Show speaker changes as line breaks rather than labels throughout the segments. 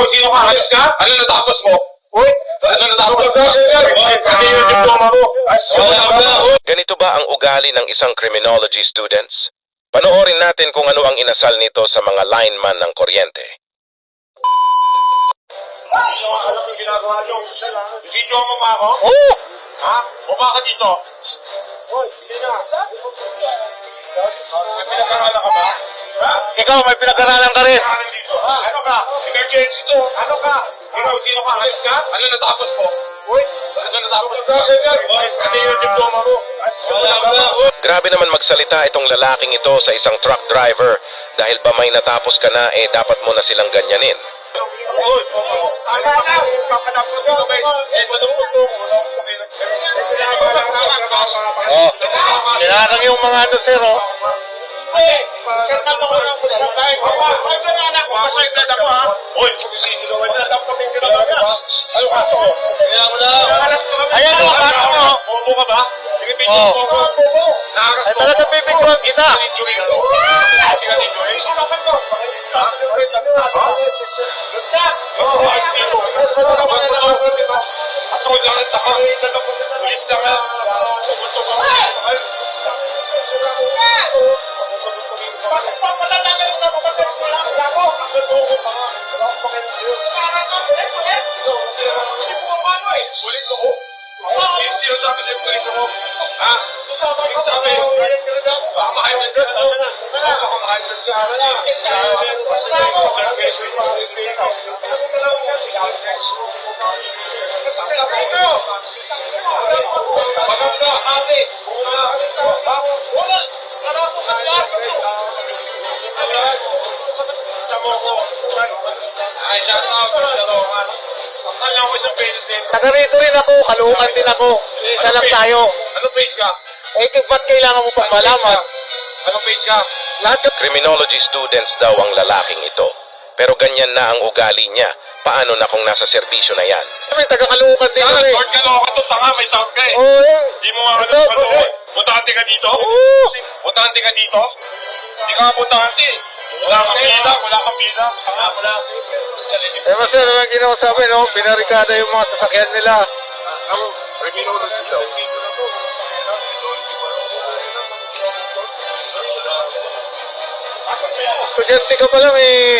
sino ka? Alis ka? Ano natapos mo? Uy, ano natapos mo? Kasi yung diploma mo.
Ganito ba ang ugali ng isang criminology students? Panoorin natin kung ano ang inasal nito sa mga lineman ng kuryente.
Alam mo yung ginagawa niyo? Video mo ba ako?
Oh!
Ha? Baba ka dito. Hoy, hindi na. May pinag-aralan ka ba? Ha?
Ikaw, may pinag-aralan ka rin.
Ano dito? Ano ka? Emergency to. Ano ka? Ikaw, sino ka? Alis ka? Ano natapos mo? Uy, ano natapos mo? Kasi yung diploma mo.
Grabe naman magsalita itong lalaking ito sa isang truck driver dahil ba may natapos ka na dapat mo na silang ganyanin.
Uy, ano na? Papadapot mo. Papadapot mo.
Oh, tinarang yung mga ano, sir, oh.
Sir, naman ko ng pulis sa tayo. Ay, na anak ko. Masay blood ako, ha? Uy, sisigawan na. Dapat kaming kinagawa. Ano kaso ko? Kaya mo na.
Ayan, oh, kaso mo.
Bobo ka ba? Sige, video mo ko. Bobo.
Ay, talaga bibigyan kita.
Kasi ka dito, eh. Sinakan mo. Ako lang at ako. Pulis lang ha. Pupunto ka. Papalala na yung kapapagkas ko lang ako. Ako pa nga. Pulis ako. Sinasabi sa'yo pulis ako. Ha? Sinasabi. Baka mahayman ka na. Baka mahayman ka na. Maganda, ate. Ay, shout out sa Darongan. Alam ko isang beses din.
Taga rito rin ako, kalungan din ako. Isa lang tayo.
Anong base ka?
Ba't kailangan mo pang malaman?
Anong base ka?
Lahat yung criminology students daw ang lalaking ito. Pero ganyan na ang ugali niya. Paano na kung nasa serbisyo na yan? May taga-kalungan din
Saan?
kami.
Lord ka ka to, tanga, may sound ka eh.
Oo, eh.
Di mo nga alam
So,
ano eh. Butante ka dito?
Oo.
Butante ka dito? Di ka butante. Wala kang pila, wala kang pila. Wala.
Eh, mas ano ang ginawa sa amin, no? Binarikada yung mga sasakyan nila.
Ang criminology daw.
Estudyante ka pa lang, eh.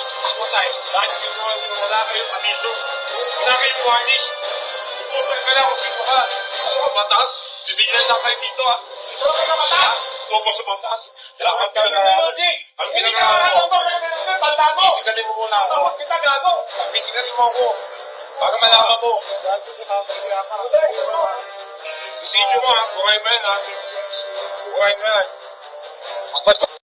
Wala kayong abiso. Wala kayong warnish. Ipupul ka lang kung sino ka. Ano ka, batas? Civilian lang kayo dito, ha? Sino ka sa batas? Sopo sa batas. Lakad ka lang. Ang pinag-aaral mo. Pisigalin mo muna ako. Pisigalin mo ako. Para malaman mo. Isidyo mo, ha? Buhay mo yan, ha? Buhay mo yan.